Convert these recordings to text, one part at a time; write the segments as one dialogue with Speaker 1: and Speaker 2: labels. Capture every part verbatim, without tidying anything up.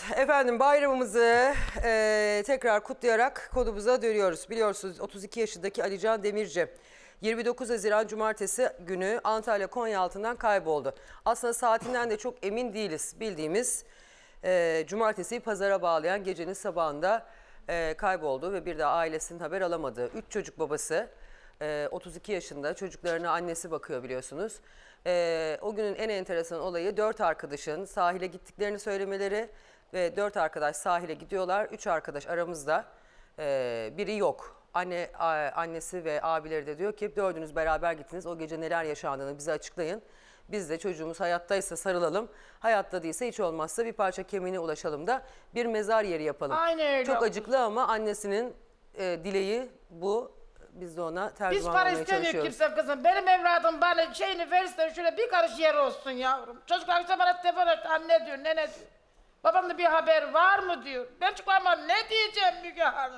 Speaker 1: efendim bayramımızı e, tekrar kutlayarak konumuza dönüyoruz. Biliyorsunuz otuz iki yaşındaki Alican Demirci yirmi dokuz Haziran Cumartesi günü Antalya Konyaaltı'ndan kayboldu. Aslında saatinden de çok emin değiliz. Bildiğimiz e, Cumartesi'yi pazara bağlayan gecenin sabahında e, kayboldu ve bir de ailesinin haber alamadığı. Üç çocuk babası, e, otuz iki yaşında, çocuklarına annesi bakıyor biliyorsunuz. Ee, o günün en enteresan olayı dört arkadaşın sahile gittiklerini söylemeleri ve dört arkadaş sahile gidiyorlar. Üç arkadaş aramızda, ee, biri yok. Anne, a, annesi ve abileri de diyor ki dördünüz beraber gittiniz. O gece neler yaşandığını bize açıklayın. Biz de çocuğumuz hayattaysa sarılalım. Hayatta değilse hiç olmazsa bir parça kemiğine ulaşalım da bir mezar yeri yapalım.
Speaker 2: Aynen öyle.
Speaker 1: Çok acıklı ama annesinin e, dileği bu. Biz de ona
Speaker 2: Biz
Speaker 1: tercüman
Speaker 2: para
Speaker 1: olmaya
Speaker 2: istemiyor
Speaker 1: çalışıyoruz.
Speaker 2: kimse kızım. Benim evladım bana şeyini verirse şöyle bir karış yer olsun yavrum. Çocuklar işte bana telefon etti. Anne diyor, nene diyor. Babamda bir haber var mı diyor. Ben çocuklarıma ne diyeceğim Müge Hanım?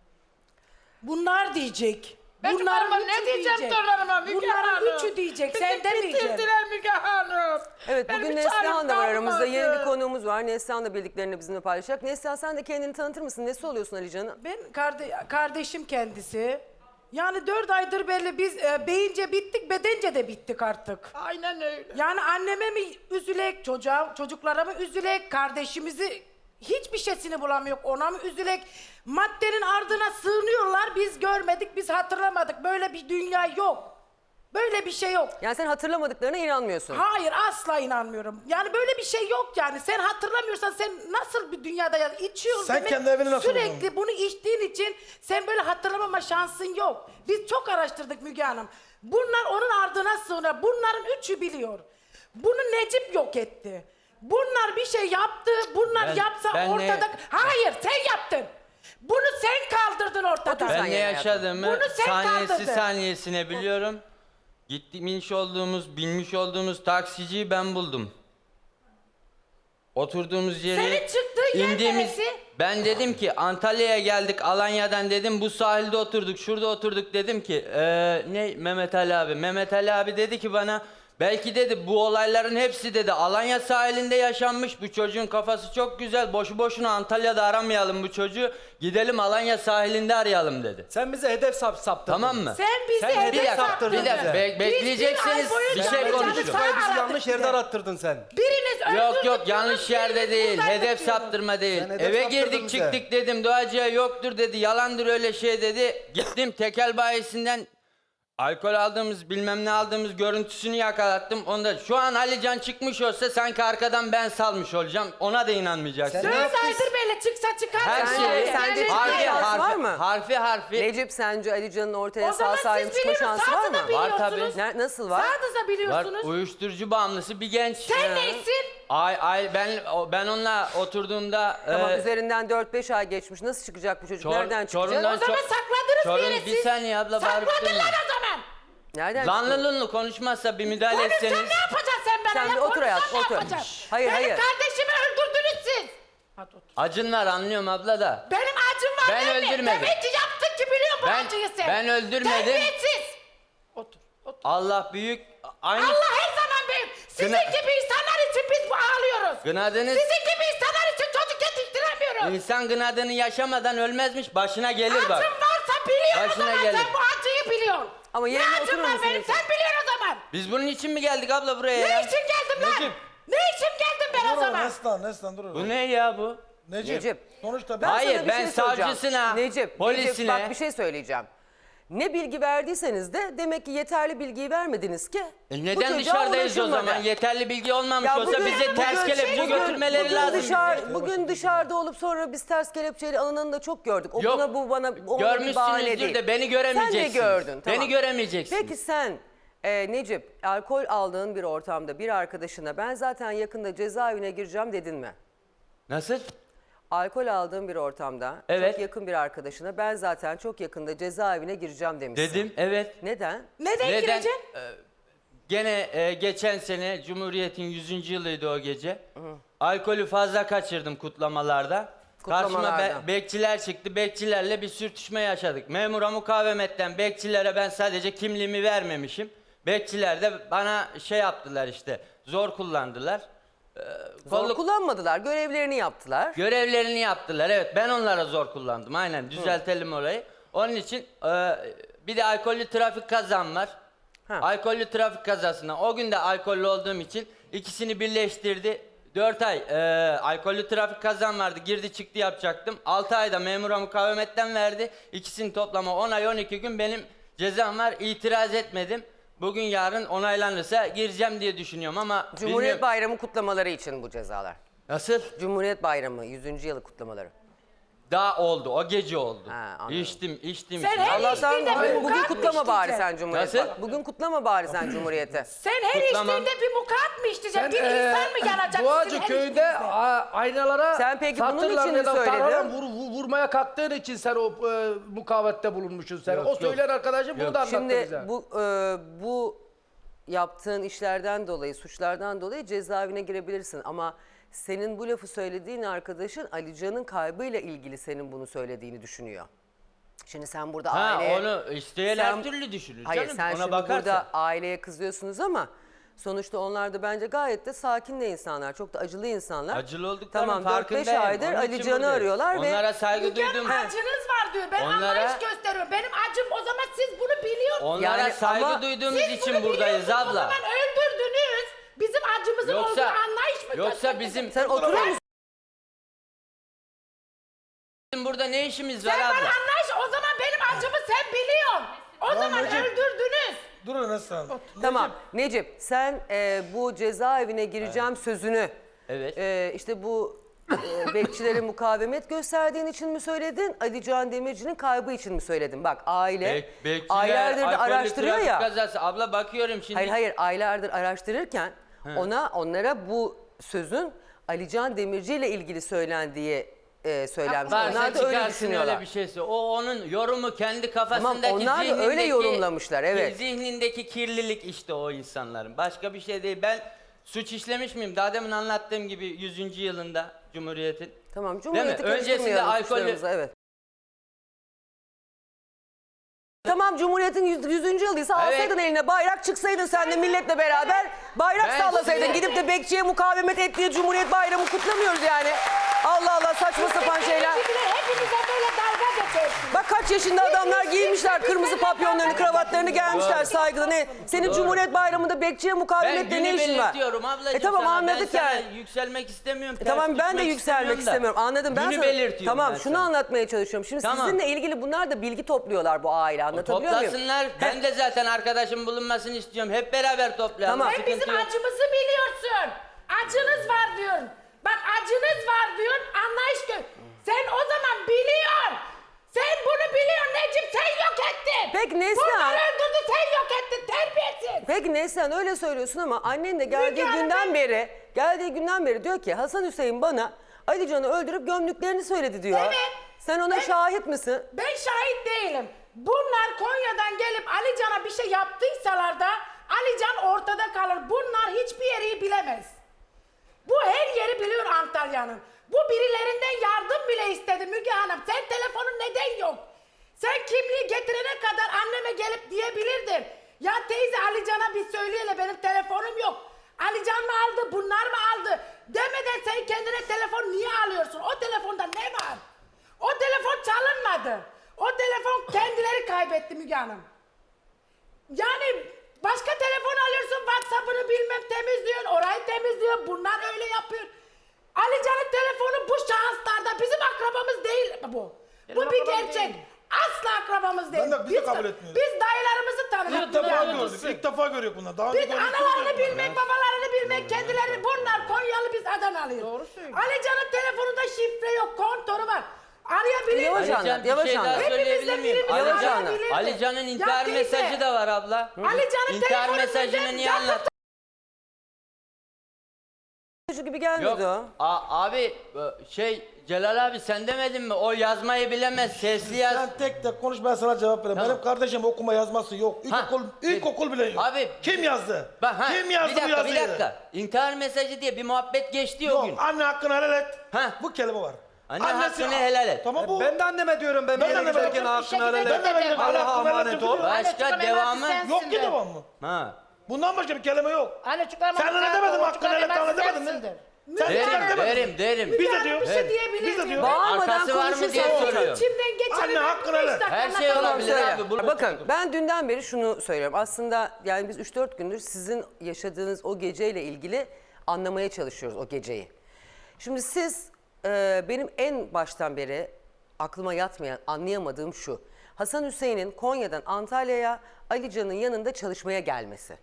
Speaker 3: Bunlar diyecek.
Speaker 2: Ben çocuklarıma
Speaker 3: üçü
Speaker 2: ne diyeceğim
Speaker 3: diyecek.
Speaker 2: torunlarıma Müge
Speaker 3: Bunların
Speaker 2: Hanım?
Speaker 3: üçü diyecek.
Speaker 2: Bizi
Speaker 3: Sen demeyeceksin.
Speaker 2: bitirdiler Müge Hanım.
Speaker 1: Evet,
Speaker 2: Benim
Speaker 1: bugün
Speaker 2: bir çarem
Speaker 1: Neslihan da var aramızda.
Speaker 2: kalmadı.
Speaker 1: Yeni bir konuğumuz var. Neslihan da bildiklerini bizimle paylaşacak. Neslihan, sen de kendini tanıtır mısın? Nesi oluyorsun Alican'ın?
Speaker 3: Ben karde- kardeşim kendisi. Yani dört aydır belli biz e, beyince bittik, bedence de bittik artık.
Speaker 2: Aynen öyle.
Speaker 3: Yani anneme mi üzülek, çocuğa, çocuklara mı üzülek, kardeşimizi hiçbir şeysini bulamıyor, ona mı üzülek? Maddenin ardına sığınıyorlar, biz görmedik, biz hatırlamadık. Böyle bir dünya yok. Böyle bir şey yok.
Speaker 1: Yani sen hatırlamadıklarına inanmıyorsun.
Speaker 3: Hayır, asla inanmıyorum. Yani böyle bir şey yok yani. Sen hatırlamıyorsan sen nasıl bir dünyada ya içiyorsun
Speaker 4: Sen
Speaker 3: demek,
Speaker 4: kendi evini nasıl
Speaker 3: sürekli
Speaker 4: buldun?
Speaker 3: bunu içtiğin için sen böyle hatırlamama şansın yok. Biz çok araştırdık Müge Hanım. Bunlar onun ardına sığınıyor. Bunların üçü biliyor. Bunu Necip yok etti. Bunlar bir şey yaptı. Bunlar
Speaker 5: Ben-
Speaker 3: yapsa
Speaker 5: ben ne-
Speaker 3: ortada... Hayır, sen yaptın. Bunu sen kaldırdın ortadan.
Speaker 1: Otur sen
Speaker 5: Ben ne
Speaker 1: yere
Speaker 5: yaşadığımı
Speaker 3: Bunu sen
Speaker 5: saniyesi
Speaker 3: kaldırdın.
Speaker 5: saniyesine biliyorum. Gitmiş olduğumuz, binmiş olduğumuz taksiciyi ben buldum. Oturduğumuz yeri...
Speaker 3: Senin çıktığın yer neresi?
Speaker 5: Ben dedim ki Antalya'ya geldik Alanya'dan dedim, bu sahilde oturduk, şurada oturduk dedim ki eee, ne Mehmet Ali abi. Mehmet Ali abi dedi ki bana, belki dedi bu olayların hepsi dedi Alanya sahilinde yaşanmış, bu çocuğun kafası çok güzel, boşu boşuna Antalya'da aramayalım bu çocuğu, gidelim Alanya sahilinde arayalım dedi.
Speaker 4: Sen bize hedef sap saptırdın.
Speaker 5: Tamam mı?
Speaker 3: Sen bizi
Speaker 4: Sen
Speaker 3: hedef
Speaker 4: hedef
Speaker 5: Bir dakika,
Speaker 3: saptırdın.
Speaker 5: bir dakika, be-
Speaker 3: Biz
Speaker 5: bekleyeceksiniz,
Speaker 3: bir ay
Speaker 5: bir
Speaker 3: boyunca
Speaker 5: şey
Speaker 3: Alican'ı
Speaker 5: konuşun.
Speaker 3: sağ
Speaker 4: Bizi
Speaker 3: aradık
Speaker 4: yanlış
Speaker 3: bir
Speaker 4: yerde
Speaker 3: de.
Speaker 4: arattırdın sen.
Speaker 3: Biriniz
Speaker 5: Yok
Speaker 3: öldürdük,
Speaker 5: yok yanlış
Speaker 3: biriniz
Speaker 5: yerde değil,
Speaker 3: buradaydık
Speaker 5: hedef
Speaker 3: diyorsunuz.
Speaker 5: saptırma değil.
Speaker 4: Sen hedef
Speaker 5: Eve
Speaker 4: saptırdın
Speaker 5: girdik
Speaker 4: bize.
Speaker 5: çıktık dedim, doğacıya yoktur dedi, yalandır öyle şey dedi. Gittim tekel bayisinden alkol aldığımız bilmem ne aldığımız görüntüsünü yakalattım. Onda şu an Alican çıkmış olsa sanki arkadan ben salmış olacağım, ona da inanmayacaksın.
Speaker 4: Sen-
Speaker 3: Dört aydır böyle çıksa çıkar.
Speaker 5: Her
Speaker 1: Sen-
Speaker 5: şeyi
Speaker 1: sende
Speaker 5: harfi,
Speaker 1: şans
Speaker 5: harfi,
Speaker 1: var mı?
Speaker 5: harfi harfi
Speaker 1: Necip, sence Alican'ın ortaya
Speaker 3: O
Speaker 1: sağ
Speaker 3: zaman
Speaker 1: salim
Speaker 3: siz
Speaker 1: çıkma
Speaker 3: biliyorsunuz,
Speaker 1: şansı var
Speaker 3: sağda
Speaker 1: mı?
Speaker 3: da
Speaker 5: Var
Speaker 3: biliyorsunuz.
Speaker 5: tabii.
Speaker 1: Ne- nasıl var?
Speaker 3: Sağda da
Speaker 5: var.
Speaker 3: biliyorsunuz.
Speaker 5: Uyuşturucu bağımlısı bir genç.
Speaker 3: Sen neysin?
Speaker 5: Ay ay ben o- ben onunla oturduğumda
Speaker 1: Tamam,
Speaker 5: e,
Speaker 1: üzerinden dört beş ay geçmiş. Nasıl çıkacak bu çocuk?
Speaker 5: Çor-
Speaker 1: Nereden çıkacak?
Speaker 5: Çorum'dan-
Speaker 3: O zaman
Speaker 5: Çor-
Speaker 3: sakladınız
Speaker 5: Çorum-
Speaker 3: bir yere
Speaker 5: bir
Speaker 3: siz.
Speaker 5: saniye abla, bağırıp
Speaker 3: Sakladın
Speaker 5: durma.
Speaker 3: lan o zaman.
Speaker 1: Nereden çıkacak?
Speaker 5: Lanlılınlı konuşmazsa bir müdahale
Speaker 3: Konuşsan
Speaker 5: etseniz.
Speaker 3: ne yapacaksın sen bana?
Speaker 1: Sen
Speaker 3: ya?
Speaker 1: bir otur
Speaker 3: Konuşsan
Speaker 1: hayatım,
Speaker 3: ne
Speaker 1: otur.
Speaker 3: yapacaksın?
Speaker 1: Şşş, hayır,
Speaker 3: Benim
Speaker 1: hayır.
Speaker 3: kardeşimi öldürdünüz siz. Hadi otur.
Speaker 5: Acın var anlıyorum abla da.
Speaker 3: Benim acım var
Speaker 5: Ben
Speaker 3: değil mi?
Speaker 5: öldürmedim.
Speaker 3: Demek ki yaptın ki biliyorum bu
Speaker 5: Ben-
Speaker 3: acıyı sen.
Speaker 5: ben öldürmedim.
Speaker 3: Terbiyesiz. Otur, otur.
Speaker 5: Allah büyük. Aynı
Speaker 3: Allah her zaman büyük. Sizin
Speaker 5: Gına-
Speaker 3: gibi insanlar için biz bu ağlıyoruz.
Speaker 5: gınadınız.
Speaker 3: Sizin gibi insanlar için çocuk yetiştiremiyoruz.
Speaker 5: İnsan gınadını yaşamadan ölmezmiş, başına gelir bak.
Speaker 3: Acım varsa biliyorum o
Speaker 5: Başına
Speaker 3: zaman
Speaker 5: gelir.
Speaker 3: sen bu acıyı biliyorsun.
Speaker 1: Ama
Speaker 3: Ne
Speaker 1: yerine
Speaker 3: acım
Speaker 1: oturur
Speaker 3: var
Speaker 1: musun
Speaker 3: benim
Speaker 1: lütfen?
Speaker 3: sen biliyorsun o zaman.
Speaker 5: Biz bunun için mi geldik abla buraya
Speaker 3: Ne
Speaker 5: ya?
Speaker 3: için geldim lan?
Speaker 5: Necip.
Speaker 3: Ne için geldim ben o
Speaker 4: Dur
Speaker 3: zaman?
Speaker 4: Neslan, Neslan dur.
Speaker 5: Bu ne ya bu?
Speaker 4: Necip.
Speaker 1: Necip.
Speaker 4: Sonuçta
Speaker 1: Ben
Speaker 4: ben...
Speaker 5: Hayır,
Speaker 1: sana bir
Speaker 5: ben
Speaker 1: şey söyleyeceğim.
Speaker 5: savcısına,
Speaker 1: Necip,
Speaker 5: polisine-
Speaker 1: Necip, bak bir şey söyleyeceğim. Ne bilgi verdiyseniz de demek ki yeterli bilgiyi vermediniz ki.
Speaker 5: E
Speaker 1: bu
Speaker 5: neden
Speaker 1: çocuğa
Speaker 5: dışarıdayız o
Speaker 1: ulaşılmadı.
Speaker 5: zaman? Yeterli bilgi olmamış
Speaker 1: Ya
Speaker 5: olsa
Speaker 1: bugün-
Speaker 5: bize ters
Speaker 1: bugün-
Speaker 5: kelepçe
Speaker 1: bugün-
Speaker 5: götürmeleri
Speaker 1: bugün
Speaker 5: lazım.
Speaker 1: Dışarı, bugün dışarıda olup sonra biz ters kelepçeyle alınanı da çok gördük. O
Speaker 5: Yok,
Speaker 1: buna bu bana ona bir bahane
Speaker 5: görmüşsünüzdür
Speaker 1: değil.
Speaker 5: de beni göremeyeceksiniz.
Speaker 1: Sen de gördün. Tamam.
Speaker 5: Beni göremeyeceksiniz.
Speaker 1: Peki sen e, Necip, alkol aldığın bir ortamda bir arkadaşına ben zaten yakında cezaevine gireceğim dedin mi?
Speaker 5: Nasıl?
Speaker 1: Alkol aldığın bir ortamda
Speaker 5: Evet.
Speaker 1: çok yakın bir arkadaşına ben zaten çok yakında cezaevine gireceğim demişsin.
Speaker 5: Dedim, evet.
Speaker 1: Neden?
Speaker 3: Neden,
Speaker 5: Neden?
Speaker 3: gireceksin?
Speaker 5: Ee, Gene e, geçen sene Cumhuriyet'in yüzüncü yılıydı o gece. Alkolü fazla kaçırdım kutlamalarda. Karşıma
Speaker 1: Kutlamalarda.
Speaker 5: be- bekçiler çıktı. Bekçilerle bir sürtüşme yaşadık. Memura mukavemetten bekçilere ben sadece kimliğimi vermemişim. Bekçiler de bana şey yaptılar işte, zor kullandılar.
Speaker 1: Zor
Speaker 5: kolluk
Speaker 1: kullanmadılar. Görevlerini yaptılar.
Speaker 5: görevlerini yaptılar. Evet, ben onlara zor kullandım. Aynen, düzeltelim orayı. Onun için e, bir de alkollü trafik kazam var.
Speaker 1: Ha.
Speaker 5: Alkollü trafik kazasına o gün de alkollü olduğum için ikisini birleştirdi. dört ay e, alkollü trafik kazam vardı. Girdi çıktı yapacaktım. altı ayda memura mukavemetten verdi. İkisini toplama on ay on iki gün benim cezam var. İtiraz etmedim. Bugün yarın onaylanırsa gireceğim diye düşünüyorum ama
Speaker 1: Cumhuriyet
Speaker 5: bilmiyorum.
Speaker 1: Bayramı kutlamaları için bu cezalar.
Speaker 5: Nasıl?
Speaker 1: Cumhuriyet Bayramı yüzüncü yılı kutlamaları.
Speaker 5: Daha oldu. O gece oldu.
Speaker 1: Ha, anladım.
Speaker 5: içtim, içtim.
Speaker 3: Sen
Speaker 5: içtim.
Speaker 3: her
Speaker 1: Allah'tan
Speaker 3: içtiğinde
Speaker 1: bugün,
Speaker 3: bir
Speaker 1: bugün
Speaker 3: mukat
Speaker 1: kutlama
Speaker 3: mı
Speaker 1: bari
Speaker 3: içeceksin?
Speaker 1: sen Cumhuriyet.
Speaker 5: Nasıl?
Speaker 1: Bak, bugün kutlama bari sen Cumhuriyeti.
Speaker 3: Sen her
Speaker 5: Kutlamam.
Speaker 3: içtiğinde bir mukat mı içeceksin?
Speaker 4: Sen
Speaker 3: Bir
Speaker 4: eee,
Speaker 3: insan mı yanacak? sizin
Speaker 4: Duacı
Speaker 3: her
Speaker 4: köyünde
Speaker 3: içtiğinizde?
Speaker 4: a- aynalara
Speaker 1: Sen peki bunun
Speaker 4: satırlar
Speaker 1: için mi
Speaker 4: ya da
Speaker 1: söyledin?
Speaker 4: tarhana vur, vur- vurmaya kalktığın için sen o e, mukavette bulunmuşsun sen.
Speaker 5: Yok,
Speaker 4: o
Speaker 5: yok.
Speaker 4: söyleyen arkadaşım bunu
Speaker 5: Yok.
Speaker 4: da anlattı
Speaker 1: Şimdi
Speaker 4: bize.
Speaker 1: bu e, bu yaptığın işlerden dolayı, suçlardan dolayı cezaevine girebilirsin ama senin bu lafı söylediğin arkadaşın Alican'ın kaybıyla ilgili senin bunu söylediğini düşünüyor. Şimdi sen burada
Speaker 5: Ha,
Speaker 1: aileye...
Speaker 5: onu isteyen
Speaker 1: Sen-
Speaker 5: her türlü düşünür.
Speaker 1: Hayır
Speaker 5: canım.
Speaker 1: sen
Speaker 5: Ona
Speaker 1: şimdi
Speaker 5: bakarsan.
Speaker 1: burada aileye kızıyorsunuz ama sonuçta onlar da bence gayet de sakin de insanlar. Çok da acılı insanlar.
Speaker 5: Acılı olduklarının
Speaker 1: Tamam dört beş
Speaker 5: farkındayım.
Speaker 1: aydır
Speaker 5: Onun için
Speaker 1: Ali Can'ı
Speaker 5: buradayım.
Speaker 1: arıyorlar ve...
Speaker 5: Onlara saygı
Speaker 3: Müge Hanım
Speaker 5: duydum.
Speaker 3: acınız var diyor. Ben
Speaker 5: Onlara-
Speaker 3: anlayış gösteriyorum. Benim acım o zaman siz bunu biliyorsunuz.
Speaker 5: Onlara
Speaker 1: Yani
Speaker 5: saygı
Speaker 1: ama-
Speaker 5: duyduğumuz
Speaker 3: Siz
Speaker 5: için
Speaker 3: bunu
Speaker 5: buradayız
Speaker 3: biliyorsunuz, O
Speaker 5: abla.
Speaker 3: zaman öldürdünüz. Bizim acımızın
Speaker 5: Yoksa-
Speaker 3: olduğu anlayış mı
Speaker 5: yoksa
Speaker 3: gösterdiniz?
Speaker 5: bizim-
Speaker 1: Sen oturur musun?
Speaker 5: Bizim burada ne işimiz var
Speaker 3: Sen bana
Speaker 5: abla?
Speaker 3: anlayış o zaman benim acımı sen biliyorsun. O zaman
Speaker 4: Necip.
Speaker 3: öldürdünüz.
Speaker 4: Durun Hasan.
Speaker 1: Tamam Necip sen e, bu cezaevine gireceğim sözünü
Speaker 5: Evet.
Speaker 1: e, işte bu e, bekçilere mukavemet gösterdiğin için mi söyledin? Ali Can Demirci'nin kaybı için mi söyledin? Bak aile
Speaker 5: Bek- bekçiler,
Speaker 1: aylardır da
Speaker 5: alkollü
Speaker 1: araştırıyor
Speaker 5: trafik
Speaker 1: ya.
Speaker 5: Kazası. Abla bakıyorum şimdi.
Speaker 1: Hayır hayır aylardır araştırırken ona onlara bu sözün Ali Can Demirci ile ilgili söylendiği e, söylenmiş.
Speaker 5: Varsa
Speaker 1: Onlar da öyle
Speaker 5: çıkarsın
Speaker 1: düşünüyorlar.
Speaker 5: öyle bir şeyse. O onun yorumu kendi kafasındaki
Speaker 1: onlar da öyle
Speaker 5: zihnindeki-
Speaker 1: yorumlamışlar, evet.
Speaker 5: Zihnindeki kirlilik işte o insanların. Başka bir şey değil. Ben suç işlemiş miyim? Daha demin anlattığım gibi yüzüncü yılında Cumhuriyet'in.
Speaker 1: Tamam Cumhuriyeti
Speaker 5: Öncesinde
Speaker 1: karıştırmayalım
Speaker 5: alkollü-
Speaker 1: suçlarımıza, evet. Tamam Cumhuriyet'in yüz- yüzüncü yılıysa
Speaker 5: Evet.
Speaker 1: alsaydın eline bayrak çıksaydın sen de milletle beraber bayrak
Speaker 5: Ben
Speaker 1: sallasaydın.
Speaker 5: size-
Speaker 1: Gidip de bekçiye mukavemet et diye Cumhuriyet Bayramı kutlamıyoruz yani. Allah Allah saçma sapan şeyler.
Speaker 3: Hepinize hepinize böyle dalga geçiyorsunuz.
Speaker 1: Bak kaç yaşında adamlar giymişler kırmızı papyonlarını, kravatlarını gelmişler saygıda. Ne? Senin Cumhuriyet Bayramı'nda bekçiye
Speaker 5: Ben
Speaker 1: mukavemetle ne
Speaker 5: günü
Speaker 1: işin var?
Speaker 5: belirtiyorum ablacığım
Speaker 1: E tamam
Speaker 5: sana.
Speaker 1: anladık
Speaker 5: ben sana
Speaker 1: yani.
Speaker 5: yükselmek istemiyorum.
Speaker 1: E
Speaker 5: ters
Speaker 1: tamam ben de
Speaker 5: düşmek
Speaker 1: yükselmek
Speaker 5: da.
Speaker 1: istemiyorum. Anladım. Ben
Speaker 5: Günü
Speaker 1: sana-
Speaker 5: belirtiyorum
Speaker 1: Tamam
Speaker 5: ben
Speaker 1: şunu
Speaker 5: sana.
Speaker 1: anlatmaya çalışıyorum. Şimdi
Speaker 5: Tamam.
Speaker 1: sizinle ilgili bunlar da bilgi topluyorlar bu aile. Anlatabiliyor muyum?
Speaker 5: Toplasınlar. Ben de zaten arkadaşım bulunmasını istiyorum. Hep beraber toplayalım.
Speaker 1: Tamam.
Speaker 3: Sen
Speaker 5: Sıkıntı
Speaker 3: bizim
Speaker 5: yok.
Speaker 3: acımızı biliyorsun. Acınız var diyorsun. Bak acınız var diyorsun. Anlayış gö... Sen o zaman biliyorsun. Sen bunu biliyorsun Necip sen yok ettin.
Speaker 1: Peki Neslihan-
Speaker 3: Bunlar öldürdü sen yok ettin terbiyesiz.
Speaker 1: Peki Neslihan öyle söylüyorsun ama annen de geldiği
Speaker 3: Müge Hanım,
Speaker 1: günden
Speaker 3: ben-
Speaker 1: beri geldiği günden beri diyor ki Hasan Hüseyin bana Ali Can'ı öldürüp gömdüklerini söyledi diyor.
Speaker 3: Evet.
Speaker 1: Sen ona
Speaker 3: Ben-
Speaker 1: şahit misin?
Speaker 3: Ben şahit değilim. Bunlar Konya'dan gelip Ali Can'a bir şey yaptıysalar da Ali Can ortada kalır. Bunlar hiçbir yeri bilemez. Bu her yeri biliyor Antalya'nın. Bu birilerinden yardım bile istedi Müge Hanım. Sen telefonun neden yok? Sen kimliği getirene kadar anneme gelip diyebilirdin. Ya teyze Ali Can'a bir söyleyele benim telefonum yok. Ali Can mı aldı bunlar mı aldı? Demeden sen kendine telefon niye alıyorsun? O telefonda ne var? O telefon çalınmadı. O telefon kendileri kaybetti Müge Hanım. Yani başka telefon alıyorsun, WhatsApp'ını bilmem temizliyorsun, orayı temizliyorsun, bunlar öyle yapıyor. Ali Can'ın telefonu bu şahıslarda bizim akrabamız değil bu.
Speaker 2: Benim
Speaker 3: bu bir
Speaker 2: akrabam
Speaker 3: gerçek.
Speaker 2: değil.
Speaker 3: Asla akrabamız değil.
Speaker 4: Ben de- biz de kabul etmiyoruz.
Speaker 3: Biz dayılarımızı tanıdık.
Speaker 4: İlk
Speaker 3: Müge
Speaker 4: defa
Speaker 3: Hanım.
Speaker 4: gördük. İlk defa görüyoruz bunları. Daha
Speaker 3: Biz
Speaker 4: önce görmüştük
Speaker 3: analarını
Speaker 4: mü?
Speaker 3: bilmek, babalarını bilmek, kendileri bunlar Konyalı biz Adanalıyız.
Speaker 2: Doğru söylüyor.
Speaker 3: Ali Can'ın telefonunda şifre yok, kontörü var. Arayabilir
Speaker 1: Yavaş
Speaker 3: miyim?
Speaker 1: anlat,
Speaker 5: Alican bir
Speaker 1: yavaş
Speaker 5: şey
Speaker 1: anlat.
Speaker 5: daha
Speaker 3: Hepimizde
Speaker 5: söyleyebilir miyim?
Speaker 3: birimiz
Speaker 1: Yavaş
Speaker 5: Alican,
Speaker 1: anlat.
Speaker 3: arayabilirdi.
Speaker 5: Alican'ın
Speaker 3: Ya
Speaker 5: intihar
Speaker 3: teyze,
Speaker 5: mesajı da var abla.
Speaker 3: Ali Can'ın
Speaker 5: İntihar
Speaker 3: telefonundan
Speaker 5: mesajını niye
Speaker 3: yakıt-
Speaker 5: anlat?
Speaker 1: Çocuk gibi gelmedi
Speaker 5: Yok.
Speaker 1: o.
Speaker 5: A- abi e, şey Celal abi sen demedin mi? O yazmayı bilemez. Sesli yaz.
Speaker 4: Sen tek tek konuş ben sana cevap vereyim.
Speaker 5: Tamam.
Speaker 4: Benim kardeşim okuma yazması yok.
Speaker 5: Ha,
Speaker 4: İlkokul, ilkokul bile yok.
Speaker 5: Abi-
Speaker 4: Kim yazdı?
Speaker 5: Bak, ha,
Speaker 4: Kim yazdı
Speaker 5: bir
Speaker 4: bu
Speaker 5: dakika,
Speaker 4: yazıyı?
Speaker 5: Bir dakika. İntihar mesajı diye bir muhabbet geçti o gün.
Speaker 4: Yok anne hakkını helal et.
Speaker 5: Ha.
Speaker 4: Bu kelime var.
Speaker 5: Anne
Speaker 4: Annesi-
Speaker 5: hakkını helal et.
Speaker 4: Tamam bu.
Speaker 6: Ben de anneme diyorum ben,
Speaker 4: Ben
Speaker 6: bir
Speaker 4: de
Speaker 6: yere
Speaker 4: anneme
Speaker 6: giderken
Speaker 4: diyorum.
Speaker 6: hakkını helal et.
Speaker 4: Ben de anneme diyorum.
Speaker 6: Allah'a
Speaker 4: Hakkını helal
Speaker 6: emanet
Speaker 4: et
Speaker 6: ol.
Speaker 4: diyorum.
Speaker 5: Başka
Speaker 2: Anneciğim,
Speaker 5: devamı
Speaker 2: emanet
Speaker 4: Yok ki
Speaker 2: sensin de.
Speaker 4: devam mı?
Speaker 5: ha.
Speaker 4: Bundan başka bir kelime yok.
Speaker 2: Hani çıkarma.
Speaker 4: Sen öyle demedin mi? Hakkını helal et demedin mi? Sen
Speaker 5: Derim,
Speaker 4: çıkar demedin.
Speaker 5: derim, derim.
Speaker 4: Biz de
Speaker 3: Yani
Speaker 4: diyoruz.
Speaker 3: bir şey
Speaker 5: Evet.
Speaker 3: diyebilir
Speaker 4: Biz de
Speaker 3: miyim?
Speaker 4: diyoruz.
Speaker 1: Bağırmadan
Speaker 5: Arkası var mı diye
Speaker 1: konuşursanız-
Speaker 5: soruyor.
Speaker 3: İçimden geçeni
Speaker 4: Anne,
Speaker 3: ben
Speaker 4: hakkını
Speaker 3: beş
Speaker 4: helal.
Speaker 3: dakika
Speaker 5: Her şey
Speaker 3: anlatamam.
Speaker 5: olabilir
Speaker 1: Söyle.
Speaker 5: abi. Bu-
Speaker 1: Bakın ben dünden beri şunu söylüyorum. Aslında yani biz üç dört gündür sizin yaşadığınız o geceyle ilgili anlamaya çalışıyoruz o geceyi. Şimdi siz e, benim en baştan beri aklıma yatmayan, anlayamadığım şu. Hasan Hüseyin'in Konya'dan Antalya'ya Ali Can'ın yanında çalışmaya gelmesi.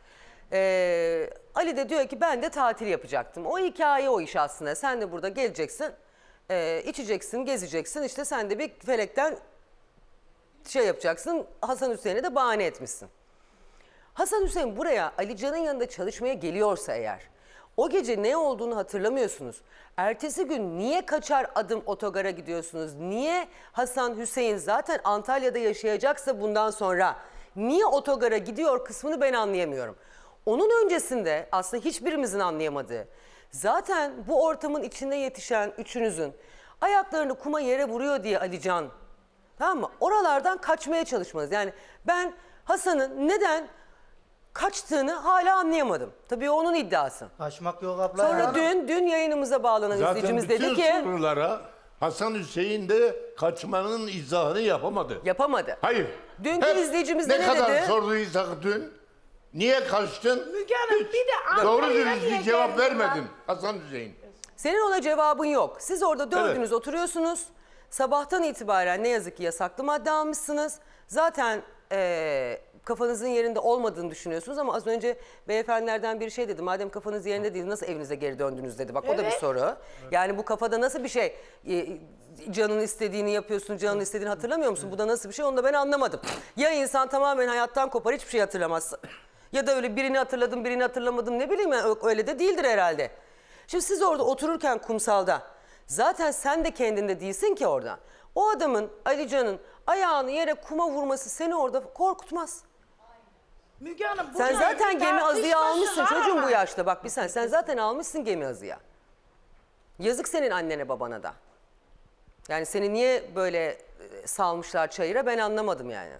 Speaker 1: Ee, Ali de diyor ki ben de tatil yapacaktım. O hikaye o iş aslında. Sen de burada geleceksin, e, içeceksin, gezeceksin. İşte sen de bir felekten şey yapacaksın. Hasan Hüseyin'e de bahane etmişsin. Hasan Hüseyin buraya Ali Can'ın yanında çalışmaya geliyorsa eğer, o gece ne olduğunu hatırlamıyorsunuz. Ertesi gün niye kaçar adım otogara gidiyorsunuz? Niye Hasan Hüseyin zaten Antalya'da yaşayacaksa bundan sonra niye otogara gidiyor kısmını ben anlayamıyorum. Onun öncesinde aslında hiçbirimizin anlayamadığı, zaten bu ortamın içinde yetişen üçünüzün ayaklarını kuma yere vuruyor diye Ali Can, tamam mı? Oralardan kaçmaya çalışmanız. Yani ben Hasan'ın neden kaçtığını hala anlayamadım. Tabii o onun iddiası.
Speaker 6: Kaçmak yok abla
Speaker 1: Sonra
Speaker 6: ya.
Speaker 1: dün dün yayınımıza bağlanan
Speaker 7: Zaten
Speaker 1: izleyicimiz
Speaker 7: bütün
Speaker 1: dedi ki
Speaker 7: sorulara Hasan Hüseyin de kaçmanın izahını yapamadı.
Speaker 1: yapamadı.
Speaker 7: Hayır.
Speaker 1: Dünkü
Speaker 7: Hep
Speaker 1: izleyicimiz de
Speaker 7: ne
Speaker 1: ne
Speaker 7: kadar
Speaker 1: dedi?
Speaker 7: sorduysak dün, niye kaçtın?
Speaker 3: Müge Hanım bir de
Speaker 7: Doğru
Speaker 3: Antalya'ya
Speaker 7: dürüst
Speaker 3: niye
Speaker 7: bir cevap
Speaker 3: geldin
Speaker 7: vermedin
Speaker 3: lan?
Speaker 7: Hasan Hüseyin.
Speaker 1: Senin ona cevabın yok. Siz orada dördünüz
Speaker 7: Evet.
Speaker 1: oturuyorsunuz. Sabahtan itibaren ne yazık ki yasaklı madde almışsınız. Zaten eee, kafanızın yerinde olmadığını düşünüyorsunuz ama az önce beyefendilerden bir şey dedi. Madem kafanız yerinde değil nasıl evinize geri döndünüz dedi. Bak o da bir
Speaker 3: Evet.
Speaker 1: soru. Yani bu kafada nasıl bir şey? Ee, canın istediğini yapıyorsun, canın istediğini hatırlamıyor musun? Bu da nasıl bir şey onu da ben anlamadım. Ya insan tamamen hayattan kopar hiçbir şey hatırlamaz. Ya da öyle birini hatırladım birini hatırlamadım ne bileyim yani öyle de değildir herhalde. Şimdi siz orada otururken kumsalda zaten sen de kendinde değilsin ki orada. O adamın Ali Can'ın ayağını yere kuma vurması seni orada korkutmaz.
Speaker 3: Müge Hanım
Speaker 1: Sen
Speaker 3: bunların
Speaker 1: zaten
Speaker 3: bir
Speaker 1: gemi azıya
Speaker 3: tartışması
Speaker 1: almışsın
Speaker 3: var
Speaker 1: çocuğum
Speaker 3: ama.
Speaker 1: bu yaşta. Bak bir sen sen zaten almışsın gemi azıya. Yazık senin annene babana da. Yani seni niye böyle e, salmışlar çayıra ben anlamadım yani.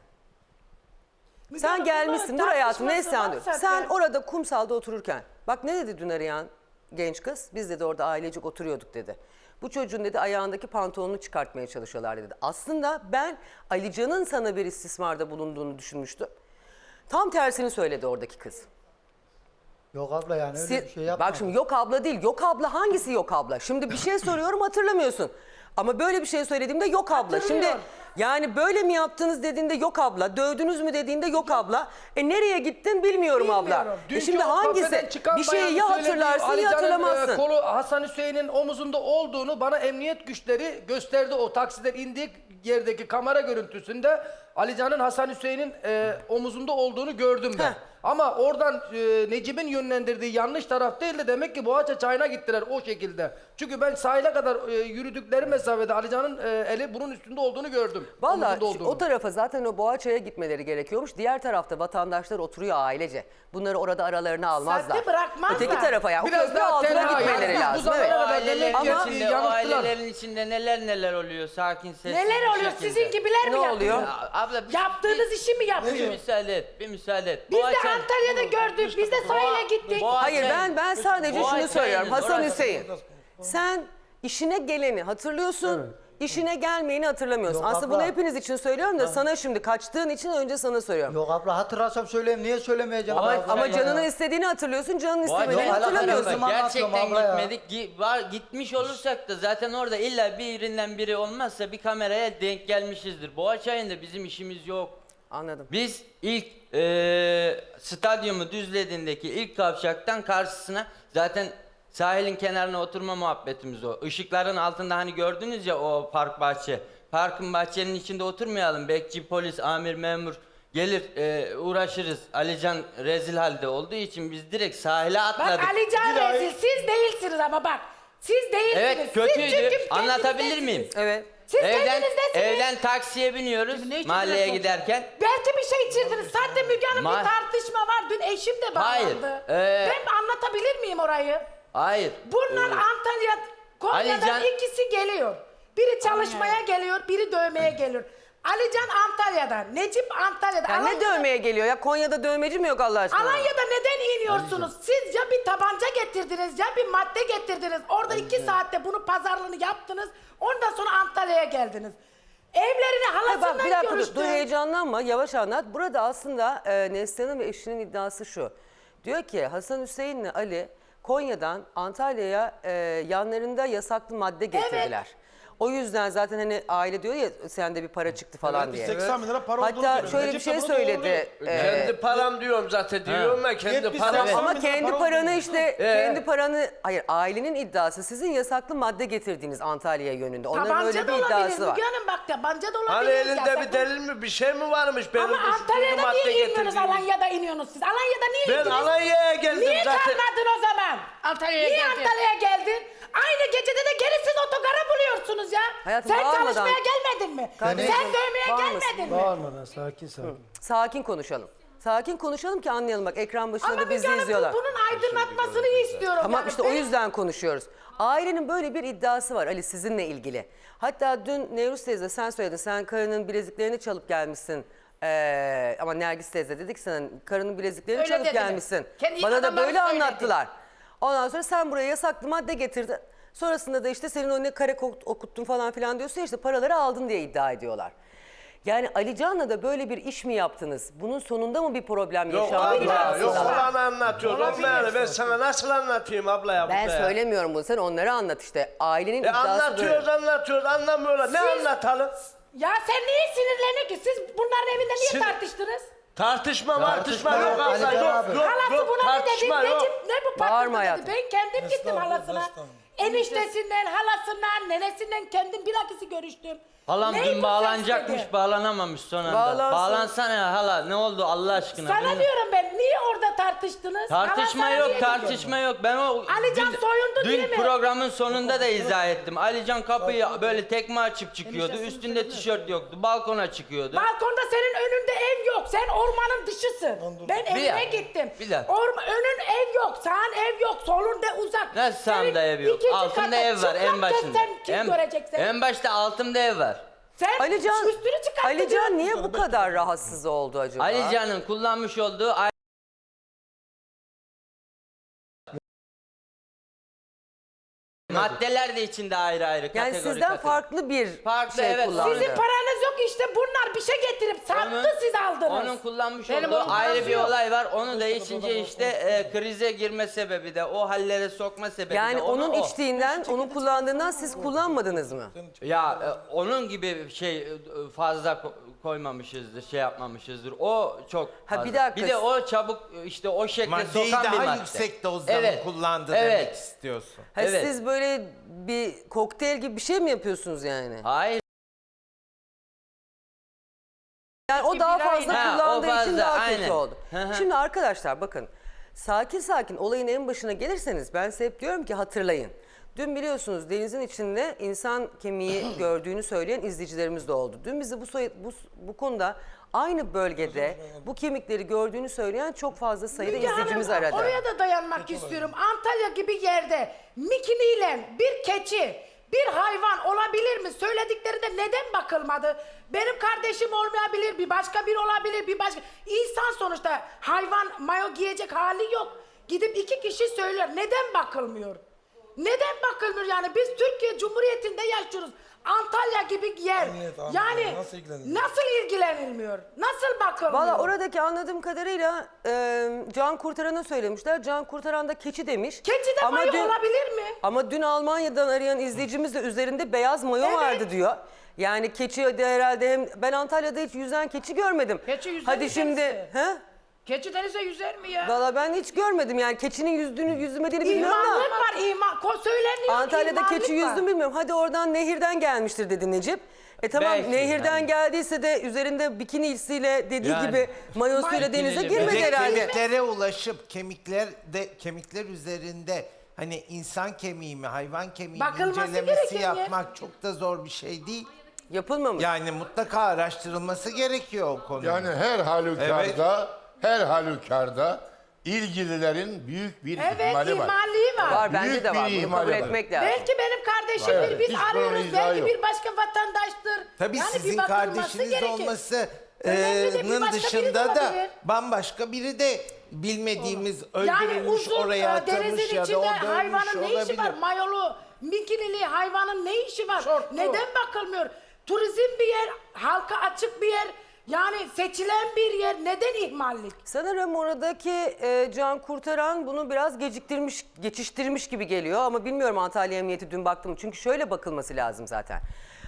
Speaker 3: Müge
Speaker 1: Sen
Speaker 3: Hanım,
Speaker 1: gelmişsin dur
Speaker 3: bunların
Speaker 1: hayatım neyse
Speaker 3: tartışması
Speaker 1: sen
Speaker 3: var
Speaker 1: dur.
Speaker 3: zaten.
Speaker 1: Sen orada kumsalda otururken bak ne dedi dün arayan genç kız? Biz dedi orada ailecek oturuyorduk dedi. Bu çocuğun dedi ayağındaki pantolonunu çıkartmaya çalışıyorlar dedi. Aslında ben Ali Can'ın sana bir istismarda bulunduğunu düşünmüştüm. Tam tersini söyledi oradaki kız.
Speaker 6: Yok abla yani öyle
Speaker 1: Siz-
Speaker 6: bir şey yapma.
Speaker 1: bak şimdi yok abla değil. Yok abla hangisi yok abla? Şimdi bir şey soruyorum hatırlamıyorsun. Ama böyle bir şey söylediğimde yok abla. Şimdi
Speaker 3: Hatırlıyor.
Speaker 1: yani böyle mi yaptınız dediğinde yok abla. Dövdünüz mü dediğinde yok abla. E nereye gittin bilmiyorum, abla.
Speaker 3: Bilmiyorum.
Speaker 1: E
Speaker 4: Dünkü
Speaker 1: şimdi
Speaker 4: o kafeden
Speaker 1: hangisi?
Speaker 4: çıkan
Speaker 1: Bir şeyi
Speaker 4: bayanın
Speaker 1: ya
Speaker 4: söylediği
Speaker 1: hatırlarsın
Speaker 4: Ali
Speaker 1: ya
Speaker 4: Can'ın,
Speaker 1: hatırlamazsın.
Speaker 4: e, Kolu Hasan Hüseyin'in omuzunda olduğunu bana emniyet güçleri gösterdi. O taksiden indiği yerdeki kamera görüntüsünde Ali Can'ın Hasan Hüseyin'in e, omuzunda olduğunu gördüm ben.
Speaker 1: Heh.
Speaker 4: Ama oradan e, Necip'in yönlendirdiği yanlış taraf değil de demek ki Boğaça çayına gittiler o şekilde. Çünkü ben sahile kadar e, yürüdükleri mesafede Ali Can'ın e, eli bunun üstünde olduğunu gördüm.
Speaker 1: Vallahi
Speaker 4: Omuzunda olduğunu.
Speaker 1: o tarafa zaten o Boğaçay'a gitmeleri gerekiyormuş. Diğer tarafta vatandaşlar oturuyor ailece. Bunları orada aralarına almazlar.
Speaker 3: Saatte bırakmazlar.
Speaker 1: Öteki tarafa ya. O
Speaker 4: Biraz
Speaker 1: köprü
Speaker 4: daha
Speaker 1: altına
Speaker 4: tenha,
Speaker 1: gitmeleri
Speaker 4: yani
Speaker 1: lazım.
Speaker 4: bu
Speaker 1: Evet.
Speaker 4: zamana
Speaker 5: O
Speaker 4: kadar
Speaker 5: ailelerin
Speaker 4: demek ki
Speaker 1: Ama-
Speaker 5: içinde, o
Speaker 4: yanılttılar.
Speaker 5: ailelerin içinde neler neler oluyor sakin sessiz
Speaker 3: Neler
Speaker 5: bir
Speaker 3: oluyor?
Speaker 5: şekilde.
Speaker 3: Sizin gibiler mi
Speaker 1: Ne
Speaker 3: yapıyor?
Speaker 1: oluyor?
Speaker 5: Ya abla bir,
Speaker 3: Yaptığınız işi mi
Speaker 5: bir, bir
Speaker 3: yapıyor?
Speaker 5: müsaade et, bir müsaade et.
Speaker 3: Biz de
Speaker 5: Boğaçan-
Speaker 3: Antalya'da gördük. Biz de sahile gittik.
Speaker 5: Boğaçan-
Speaker 1: Hayır ben ben sadece
Speaker 5: Boğaçay'ın
Speaker 1: şunu söylüyorum. Hasan
Speaker 5: orası-
Speaker 1: Hüseyin. Sen işine geleni hatırlıyorsun. İşine gelmeyeni hatırlamıyorsun.
Speaker 6: Yok
Speaker 1: Aslında
Speaker 6: abla.
Speaker 1: bunu hepiniz için söylüyorum da sana şimdi kaçtığın için önce sana söylüyorum.
Speaker 6: Yok abla hatırlasam söyleyeyim niye söylemeyeceğim?
Speaker 1: Ama,
Speaker 6: abla
Speaker 1: ama
Speaker 6: ya?
Speaker 1: canının istediğini hatırlıyorsun, canının
Speaker 5: Boğaçan-
Speaker 1: istemediğini
Speaker 6: Yok,
Speaker 1: hatırlamıyorsun.
Speaker 6: alakası yok.
Speaker 5: Gerçekten
Speaker 6: anlatıyorum abla ya.
Speaker 5: gitmedik. Gi- var, gitmiş olursak da zaten orada illa birinden biri olmazsa bir kameraya denk gelmişizdir. Boğaçay'ında bizim işimiz yok.
Speaker 1: Anladım.
Speaker 5: Biz ilk eee stadyumu düzlediğindeki ilk kavşaktan karşısına zaten sahilin kenarına oturma muhabbetimiz o. Işıkların altında hani gördünüz ya o park bahçe. Parkın bahçenin içinde oturmayalım. Bekçi, polis, amir, memur gelir eee, uğraşırız. Alican rezil halde olduğu için biz direkt sahile atladık.
Speaker 3: Bak Ali Can rezil. Siz değilsiniz ama bak. Siz değilsiniz.
Speaker 5: Evet
Speaker 3: Siz
Speaker 5: kötüydü.
Speaker 3: çünkü
Speaker 5: Anlatabilir
Speaker 3: kendinizdesiniz.
Speaker 5: miyim?
Speaker 1: Evet.
Speaker 3: Siz
Speaker 5: evden,
Speaker 3: kendinizdesiniz.
Speaker 5: evden taksiye biniyoruz mahalleye giderken.
Speaker 3: Belki bir şey içirdiniz. Zaten Müge Hanım
Speaker 5: Ma-
Speaker 3: bir tartışma var. Dün eşim de
Speaker 5: Hayır,
Speaker 3: bağlandı.
Speaker 5: ee,
Speaker 3: Ben anlatabilir miyim orayı?
Speaker 5: Hayır.
Speaker 3: Bunlar
Speaker 5: Ee,
Speaker 3: Antalya, Konya'dan
Speaker 5: Ali Can-
Speaker 3: ikisi geliyor. Biri çalışmaya geliyor, biri dövmeye geliyor. Alican Antalya'da, Necip Antalya'da.
Speaker 1: Yani ne
Speaker 3: Alanya'da-
Speaker 1: dövmeye geliyor ya? Konya'da dövmeci mi yok Allah aşkına?
Speaker 3: Alanya'da neden iniyorsunuz? Siz ya bir tabanca getirdiniz ya bir madde getirdiniz. Orada iki saatte bunu pazarlığını yaptınız. Ondan sonra Antalya'ya geldiniz. Evlerini
Speaker 1: Ha,
Speaker 3: halasından
Speaker 1: bak bir dakika dur,
Speaker 3: görüştün.
Speaker 1: dur heyecanlanma, yavaş anlat. Burada aslında e, Neslihan'ın ve eşinin iddiası şu. Diyor ki Hasan Hüseyin'le Ali Konya'dan Antalya'ya e, yanlarında yasaklı madde getirdiler. O yüzden zaten hani aile diyor ya sende bir para çıktı falan
Speaker 8: Evet,
Speaker 1: diye.
Speaker 8: seksen bin lira para olduğunu
Speaker 1: Hatta
Speaker 8: söylüyor.
Speaker 1: şöyle bir
Speaker 8: Necip
Speaker 1: şey
Speaker 8: de bunu
Speaker 1: söyledi.
Speaker 8: doğruluyor.
Speaker 1: e,
Speaker 9: Kendi param diyorum zaten diyorum ya kendi
Speaker 8: yetmiş
Speaker 9: param.
Speaker 8: seksen
Speaker 1: Ama
Speaker 8: bin lira
Speaker 1: kendi
Speaker 8: para
Speaker 1: paranı
Speaker 8: olduğunu
Speaker 1: işte kendi paranı hayır ailenin iddiası sizin yasaklı madde getirdiğiniz Antalya yönünde. Onların
Speaker 3: Tabanca
Speaker 1: öyle
Speaker 3: da
Speaker 1: bir
Speaker 3: olabilir.
Speaker 1: iddiası var.
Speaker 3: Müge Hanım bak tabanca da olabilir.
Speaker 9: Hani elinde
Speaker 3: Yasaklı-
Speaker 9: bir delil mi bir şey mi varmış benim
Speaker 3: Ama
Speaker 9: uyuşturucu
Speaker 3: Antalya'da
Speaker 9: madde
Speaker 3: niye iniyorsunuz?
Speaker 9: getirdiğim?
Speaker 3: Alanya'da iniyorsunuz siz. Alanya'da niye
Speaker 9: Ben
Speaker 3: indiniz?
Speaker 9: Alanya'ya geldim
Speaker 3: Niye
Speaker 9: zaten.
Speaker 3: kalmadın o zaman?
Speaker 2: Antalya'ya
Speaker 3: Niye
Speaker 2: geldi.
Speaker 3: Antalya'ya geldin? Aynı gecede de geri siz otogara buluyorsunuz ya.
Speaker 1: Hayatım,
Speaker 3: Sen
Speaker 1: bağırmadan-
Speaker 3: çalışmaya gelmedin mi?
Speaker 1: Kardeşim,
Speaker 3: Sen dövmeye
Speaker 1: bağırmasın.
Speaker 3: gelmedin mi?
Speaker 4: Bağırmadan sakin sakin.
Speaker 1: Sakin konuşalım. Sakin konuşalım ki anlayalım. Bak ekran başında
Speaker 3: Ama
Speaker 1: da bizi
Speaker 3: Müge Hanım,
Speaker 1: izliyorlar.
Speaker 3: bu- bunun aydınlatmasını istiyorum.
Speaker 1: Tamam
Speaker 3: yani.
Speaker 1: işte o
Speaker 3: Benim-
Speaker 1: yüzden konuşuyoruz. Ailenin böyle bir iddiası var Ali sizinle ilgili. Hatta dün Nevruz teyze sen söyledin. Sen karının bileziklerini çalıp gelmişsin. Ee, ama Nergis teyze dedik sana karının bileziklerini
Speaker 2: Öyle
Speaker 1: çalıp
Speaker 2: dediler.
Speaker 1: gelmişsin.
Speaker 2: Kendi
Speaker 1: Bana da
Speaker 2: adamları
Speaker 1: böyle
Speaker 2: söyledi.
Speaker 1: anlattılar. Ondan sonra sen buraya yasaklı madde getirdin. Sonrasında da işte senin önüne kare ok- okuttun falan filan diyorsun ya işte paraları aldın diye iddia ediyorlar. Yani Ali Can'la da böyle bir iş mi yaptınız? Bunun sonunda mı bir problem
Speaker 9: Yok
Speaker 1: yaşandınız?
Speaker 9: abla yok
Speaker 1: aslında?
Speaker 9: olanı anlatıyor. Olmayanı ben sana nasıl anlatayım abla ya
Speaker 1: Ben
Speaker 9: burada ya?
Speaker 1: söylemiyorum bunu. Sen onları anlat işte. Ailenin
Speaker 9: E
Speaker 1: iddiası
Speaker 9: anlatıyoruz
Speaker 1: böyle.
Speaker 9: anlatıyoruz anlamıyorlar. Ne anlatalım?
Speaker 3: Ya sen niye sinirleniyor ki? Siz bunların evinde niye
Speaker 9: Sin-
Speaker 3: tartıştınız?
Speaker 9: Tartışma tartışma yok
Speaker 6: yok,
Speaker 9: abla
Speaker 6: Ali
Speaker 9: yok
Speaker 6: abi.
Speaker 9: yok
Speaker 3: Halası
Speaker 9: yok
Speaker 3: buna ne dedi?
Speaker 9: tartışma yok.
Speaker 3: Necip ne bu
Speaker 1: Bağırma
Speaker 3: patladı
Speaker 1: hayatım.
Speaker 3: dedi. Ben kendim gittim
Speaker 8: Estağfurullah,
Speaker 3: halasına.
Speaker 8: estağfurullah.
Speaker 3: Eniştesinden, halasından, nenesinden kendim bilakisi görüştüm.
Speaker 5: Halam
Speaker 3: Ney bu
Speaker 5: dün
Speaker 3: ses
Speaker 5: bağlanacakmış
Speaker 3: dedi?
Speaker 5: bağlanamamış son anda.
Speaker 1: Bağlansın.
Speaker 5: Bağlansana ya hala ne oldu Allah aşkına.
Speaker 3: Sana
Speaker 5: Bilmiyorum.
Speaker 3: diyorum ben niye orada tartıştınız?
Speaker 5: Tartışma
Speaker 3: Hala sana
Speaker 5: yok,
Speaker 3: niye
Speaker 5: tartışma yok. Ben o
Speaker 3: Alican
Speaker 5: dün-
Speaker 3: soyundu
Speaker 5: dün
Speaker 3: değil mi?
Speaker 5: programın sonunda da izah ettim. Alican kapıyı böyle tekme açıp çıkıyordu. Üstünde tişört yoktu. Balkona çıkıyordu.
Speaker 3: Balkonda senin önünde ev yok. Sen ormanın dışısın. Ben evine
Speaker 5: dakika,
Speaker 3: gittim.
Speaker 5: bir dakika.
Speaker 3: Orma, önün ev yok. Sağın ev yok. Solun de uzak.
Speaker 5: Nasıl
Speaker 3: Senin
Speaker 5: sağımda ev yok?
Speaker 3: ikinci
Speaker 5: Altımda
Speaker 3: katta
Speaker 5: ev var en
Speaker 3: çıplak
Speaker 5: başında.
Speaker 3: gezsen kim
Speaker 5: En,
Speaker 3: görecek seni?
Speaker 5: en başta altımda ev var.
Speaker 3: Sen
Speaker 1: Alican,
Speaker 3: üstünü çıkarttın.
Speaker 1: Alican niye bu kadar rahatsız oldu acaba?
Speaker 5: Alican'ın kullanmış olduğu ay- maddeler de içinde ayrı ayrı
Speaker 1: Yani
Speaker 5: kategori
Speaker 1: sizden
Speaker 5: kategori.
Speaker 1: farklı bir
Speaker 5: Farklı,
Speaker 1: şey
Speaker 5: evet.
Speaker 1: kullandı.
Speaker 3: Sizin paranız yok işte bunlar bir şey getirip sattı
Speaker 5: Onun-
Speaker 3: siz aldınız.
Speaker 5: Onun kullanmış
Speaker 2: Benim
Speaker 5: olduğu
Speaker 2: onun
Speaker 5: ayrı
Speaker 2: parası
Speaker 5: bir
Speaker 2: yok.
Speaker 5: olay var. Onu da içince işte e, krize girme sebebi de o hallere sokma sebebi
Speaker 1: Yani
Speaker 5: de onu
Speaker 1: onun
Speaker 5: o.
Speaker 1: içtiğinden, onun kullandığından siz kullanmadınız mı?
Speaker 5: Ya e, onun gibi şey e, fazla ko- koymamışızdır, şey yapmamışızdır. O çok
Speaker 1: Ha,
Speaker 5: fazla.
Speaker 1: bir dakika.
Speaker 5: de o çabuk e, işte o şekle
Speaker 10: Maddeyi
Speaker 5: sokan bir
Speaker 10: daha
Speaker 5: madde.
Speaker 10: yüksek dozda
Speaker 5: Evet,
Speaker 10: mı kullandı
Speaker 5: evet.
Speaker 10: demek istiyorsun.
Speaker 1: Ha,
Speaker 5: Evet.
Speaker 1: Siz böyle bir kokteyl gibi bir şey mi yapıyorsunuz yani?
Speaker 5: Hayır.
Speaker 1: Yani o daha fazla
Speaker 5: Ha, o
Speaker 1: kullandığı için
Speaker 5: fazla,
Speaker 1: daha
Speaker 5: aynen.
Speaker 1: kötü oldu.
Speaker 5: Hı hı.
Speaker 1: Şimdi arkadaşlar bakın sakin sakin olayın en başına gelirseniz ben size hep diyorum ki hatırlayın. Dün biliyorsunuz denizin içinde insan kemiği gördüğünü söyleyen izleyicilerimiz de oldu. Dün bizi bu, soy- bu, bu konuda aynı bölgede bu kemikleri gördüğünü söyleyen çok fazla sayıda
Speaker 3: Müge
Speaker 1: izleyicimiz
Speaker 3: Hanım,
Speaker 1: aradı.
Speaker 3: oraya da dayanmak istiyorum. Antalya gibi yerde mikiniyle bir keçi, bir hayvan olabilir mi? Söylediklerinde neden bakılmadı? Benim kardeşim olmayabilir, bir başka bir olabilir, bir başka... İnsan sonuçta hayvan mayo giyecek hali yok. Gidip iki kişi söylüyor. Neden bakılmıyor? Neden bakılmıyor yani? Biz Türkiye Cumhuriyeti'nde yaşıyoruz. Antalya gibi yer.
Speaker 8: Evet, anladım.
Speaker 3: yani
Speaker 8: Nasıl ilgilenilmiyor?
Speaker 3: nasıl ilgilenilmiyor? Nasıl bakılmıyor?
Speaker 1: Valla oradaki anladığım kadarıyla e, Can Kurtaran'a söylemişler. Can Kurtaran da keçi demiş.
Speaker 3: Keçi de mayo olabilir mi?
Speaker 1: Ama dün Almanya'dan arayan izleyicimiz de üzerinde beyaz mayo
Speaker 3: Evet.
Speaker 1: vardı diyor. Yani keçi de herhalde hem ben Antalya'da hiç yüzen keçi görmedim.
Speaker 2: Keçi yüzer
Speaker 1: Hadi
Speaker 2: mi
Speaker 1: şimdi
Speaker 2: kendisi?
Speaker 1: he?
Speaker 2: Keçi denize yüzer mi ya?
Speaker 1: Valla ben hiç görmedim yani keçinin yüzdüğünü yüzmediğini bilmiyorum
Speaker 3: İmanlık
Speaker 1: da.
Speaker 3: var iman. Ko- Söyleniyor
Speaker 1: Antalya'da
Speaker 3: imanlık
Speaker 1: keçi
Speaker 3: var.
Speaker 1: yüzdüm bilmiyorum. Hadi oradan nehirden gelmiştir dedi Necip. E tamam
Speaker 5: Belki,
Speaker 1: nehirden
Speaker 5: yani.
Speaker 1: geldiyse de üzerinde bikinisiyle dediği
Speaker 5: Yani.
Speaker 1: gibi mayosuyla
Speaker 5: Bikiniyle
Speaker 1: denize
Speaker 5: bir-
Speaker 1: girmedi
Speaker 10: Ve
Speaker 1: herhalde.
Speaker 10: kemiklere ulaşıp kemikler de kemikler üzerinde hani insan kemiği mi hayvan kemiği mi
Speaker 3: Bakılması
Speaker 10: incelemesi
Speaker 3: gereken ya.
Speaker 10: yapmak çok da zor bir şey değil.
Speaker 1: Yapılmamış.
Speaker 10: Yani mutlaka araştırılması gerekiyor o konu.
Speaker 7: Yani her halükarda, her halükarda ilgililerin büyük bir
Speaker 3: Evet
Speaker 7: ihmali var.
Speaker 3: ihmalliği var.
Speaker 1: Var bence
Speaker 7: Büyük
Speaker 1: de
Speaker 7: bir
Speaker 1: var. Bunu
Speaker 7: ihmal
Speaker 1: kabul
Speaker 7: var.
Speaker 1: etmek lazım.
Speaker 3: Belki benim kardeşim kardeşimdir. Biz
Speaker 7: Hiç bunun
Speaker 3: arıyoruz.
Speaker 7: izahı
Speaker 3: Belki
Speaker 7: yok.
Speaker 3: bir başka vatandaştır.
Speaker 10: Tabii
Speaker 3: Yani bir
Speaker 10: sizin
Speaker 3: bakılması
Speaker 10: kardeşiniz
Speaker 3: gerekir.
Speaker 10: olması
Speaker 3: Önemli de bir
Speaker 10: eee,
Speaker 3: başka biri de
Speaker 10: dışında da
Speaker 3: olabilir.
Speaker 10: bambaşka biri de bilmediğimiz
Speaker 3: Yani
Speaker 10: öldürülmüş,
Speaker 3: uzun
Speaker 10: oraya
Speaker 3: e, denizin
Speaker 10: atılmış ya da
Speaker 3: içinde
Speaker 10: o dönmüş
Speaker 3: hayvanın ne işi
Speaker 10: olabilir.
Speaker 3: var? Mayolu, mikinili hayvanın ne işi var?
Speaker 2: Şortlu.
Speaker 3: Neden bakılmıyor? Turizm bir yer, halka açık bir yer. Yani seçilen bir yer. Neden ihmallik?
Speaker 1: Sanırım oradaki e, can kurtaran bunu biraz geciktirmiş, geçiştirmiş gibi geliyor ama bilmiyorum Antalya Emniyeti dün baktım. Çünkü şöyle bakılması lazım zaten.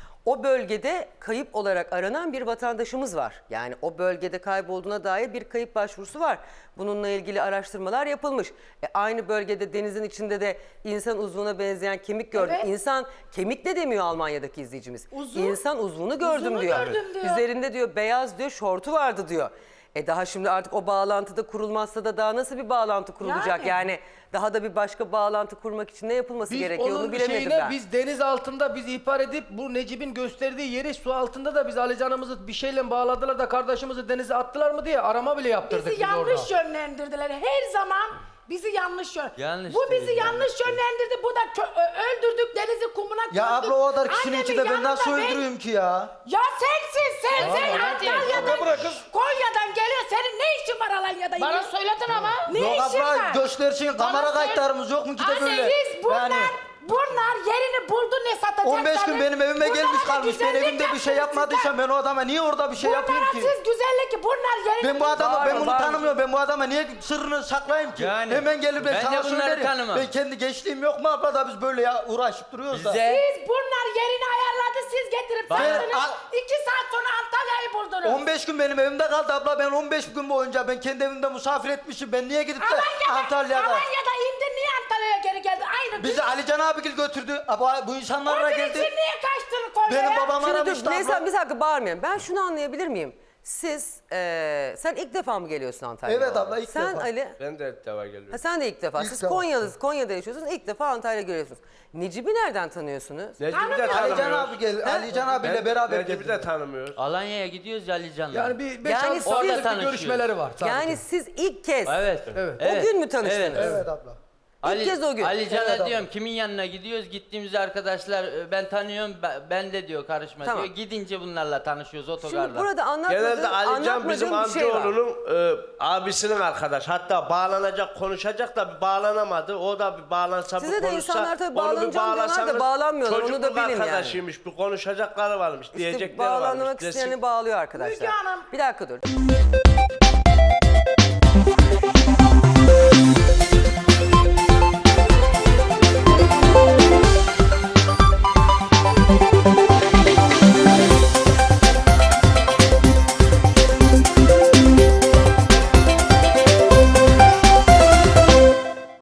Speaker 1: O bölgede kayıp olarak aranan bir vatandaşımız var. Yani o bölgede kaybolduğuna dair bir kayıp başvurusu var. Bununla ilgili araştırmalar yapılmış. E, aynı bölgede denizin içinde de insan uzvuna benzeyen kemik gördüm.
Speaker 3: Evet.
Speaker 1: İnsan kemik de demiyor Almanya'daki izleyicimiz.
Speaker 3: Uzuv.
Speaker 1: İnsan uzvunu gördüm
Speaker 3: Uzunu
Speaker 1: diyor.
Speaker 3: gördüm diyor.
Speaker 1: Üzerinde diyor beyaz diyor şortu vardı diyor. E daha şimdi artık o bağlantıda kurulmazsa da daha nasıl bir bağlantı kurulacak? Yani,
Speaker 3: Yani.
Speaker 1: daha da bir başka bağlantı kurmak için ne yapılması
Speaker 4: Biz
Speaker 1: gerekiyor onu
Speaker 4: onun
Speaker 1: bilemedim
Speaker 4: şeyine
Speaker 1: ben.
Speaker 4: biz deniz altında biz ihbar edip bu Necip'in gösterdiği yeri su altında da biz Alican'ımızı bir şeyle bağladılar da kardeşimizi denize attılar mı diye arama bile yaptırdık
Speaker 3: Bizi
Speaker 4: biz
Speaker 3: yanlış
Speaker 4: orada.
Speaker 3: yönlendirdiler. Her zaman bizi yanlış yön.
Speaker 5: Yanlış
Speaker 3: Bu bizi
Speaker 5: değil,
Speaker 3: yanlış
Speaker 5: yanlış değil.
Speaker 3: yönlendirdi. Bu da kö- ö- öldürdük denizi kumuna gömdük.
Speaker 6: Ya abla o kadar kişinin
Speaker 3: Annemin
Speaker 6: içinde ben
Speaker 3: yanında
Speaker 6: nasıl
Speaker 3: ben-
Speaker 6: öldüreyim ki ya?
Speaker 3: Ya sensin sen sen Antalya'dan
Speaker 4: Abla bırak kız.
Speaker 3: Konya'dan geliyor. Senin ne işin var Alanya'da?
Speaker 2: Bana
Speaker 3: yine?
Speaker 2: söyledin ama.
Speaker 3: Ne
Speaker 6: Yok
Speaker 3: işin
Speaker 6: abla
Speaker 3: var?
Speaker 6: göstersin kamera
Speaker 2: söyle-
Speaker 6: kayıtlarımız yok mu ki de
Speaker 3: Anne
Speaker 6: böyle?
Speaker 3: biz bunlar,
Speaker 6: Yani
Speaker 3: bunlar yerini buldu ne satacaklar?
Speaker 6: on beş gün benim evime
Speaker 3: Bunlara
Speaker 6: gelmiş
Speaker 3: da
Speaker 6: kalmış. Ben
Speaker 3: güzellik
Speaker 6: evimde bir şey
Speaker 3: yaptınız
Speaker 6: yapmadıysam
Speaker 3: sizler.
Speaker 6: ben o adama niye orada bir şey yapayım
Speaker 3: Bunlara
Speaker 6: ki?
Speaker 3: siz güzellik bunlar yerini
Speaker 6: Ben bu adamı ben
Speaker 1: Bağırma,
Speaker 6: bunu
Speaker 1: bağırma.
Speaker 6: tanımıyorum. Ben bu adama niye sırrını saklayayım ki?
Speaker 5: Yani,
Speaker 6: Hemen gelip ben,
Speaker 5: ben de
Speaker 6: sana
Speaker 5: bunları
Speaker 6: söylerim.
Speaker 5: tanımam.
Speaker 6: Ben kendi gençliğim yok mu abla da biz böyle ya uğraşıp duruyoruz da.
Speaker 5: Bize
Speaker 3: Siz bunlar yerini ayarladı siz getirip
Speaker 5: Ben-
Speaker 3: sattınız.
Speaker 6: Al-
Speaker 3: İki saat sonra Antalya'yı buldunuz.
Speaker 6: on beş gün benim evimde kaldı abla. Ben on beş gün boyunca ben kendi evimde misafir etmişim. Ben niye gidip de
Speaker 3: Alanya'da,
Speaker 6: Antalya'da?
Speaker 3: Alanya'da indin niye Antalya'ya geri geldin? Aynı
Speaker 6: Bizi Alican abigil götürdü. Aba, bu insanlarla
Speaker 3: Onun
Speaker 6: geldi.
Speaker 3: için niye kaçtın Konya'ya?
Speaker 6: Benim babam
Speaker 1: Şimdi
Speaker 6: aramıştı
Speaker 1: dur neyse
Speaker 6: abla.
Speaker 1: bir dakika bağırmayın. Ben şunu anlayabilir miyim? Siz, e, sen ilk defa mı geliyorsun Antalya'ya?
Speaker 6: Evet abla, ilk
Speaker 1: sen
Speaker 6: defa.
Speaker 1: Ali,
Speaker 9: Ben de ilk defa geliyorum.
Speaker 1: ha, sen de ilk defa.
Speaker 6: İlk
Speaker 1: Siz
Speaker 6: defa.
Speaker 1: Konya'da, Konya'da yaşıyorsunuz. İlk defa Antalya'ya geliyorsunuz. Necip'i nereden tanıyorsunuz?
Speaker 9: Necip'i de
Speaker 3: Tanımıyorum.
Speaker 6: Alican
Speaker 9: tanımıyoruz.
Speaker 6: abi gel. Alican abiyle
Speaker 9: Ben
Speaker 6: beraber
Speaker 9: Necip'i
Speaker 6: geldik.
Speaker 9: de tanımıyoruz.
Speaker 5: Alanya'ya gidiyoruz ya Alican'la.
Speaker 4: Yani bir beş
Speaker 1: Yani
Speaker 4: altı
Speaker 1: siz-
Speaker 4: saatlik
Speaker 5: Orada
Speaker 4: bir
Speaker 5: tanışıyoruz.
Speaker 4: görüşmeleri var sadece.
Speaker 1: Yani siz ilk kez
Speaker 5: Evet.
Speaker 4: Evet.
Speaker 1: o gün mü tanıştınız?
Speaker 5: Evet.
Speaker 6: Evet abla.
Speaker 5: Ali,
Speaker 1: kez o gün.
Speaker 5: Alican'a
Speaker 6: Evet,
Speaker 5: diyorum kimin yanına gidiyoruz? Gittiğimiz arkadaşlar e, ben tanıyorum ben, ben de diyor karışma
Speaker 1: Tamam.
Speaker 5: diyor. Gidince bunlarla tanışıyoruz otogarda.
Speaker 1: Şimdi burada anlatmadığım,
Speaker 9: Genelde Alican bizim
Speaker 1: anlatmadığım bir şey var.
Speaker 9: amcaoğlunun e, abisinin arkadaş. Hatta bağlanacak, konuşacak da bir bağlanamadı. O da bir bağlansa
Speaker 1: Size
Speaker 9: bir
Speaker 1: de
Speaker 9: konuşsa.
Speaker 1: insanlar tabii
Speaker 9: onu bir
Speaker 1: bağlanacağım diyorlar da
Speaker 9: bağlasanız
Speaker 1: bağlanmıyorlar, onu da
Speaker 9: çocukluk
Speaker 1: bilin yani.
Speaker 9: arkadaşıymış. Bir konuşacakları varmış,
Speaker 1: İşte
Speaker 9: diyecekleri
Speaker 1: bağlanmak
Speaker 9: varmış. desin.
Speaker 1: isteyeni bağlıyor arkadaşlar.
Speaker 3: Müge Hanım.
Speaker 1: Bir dakika dur.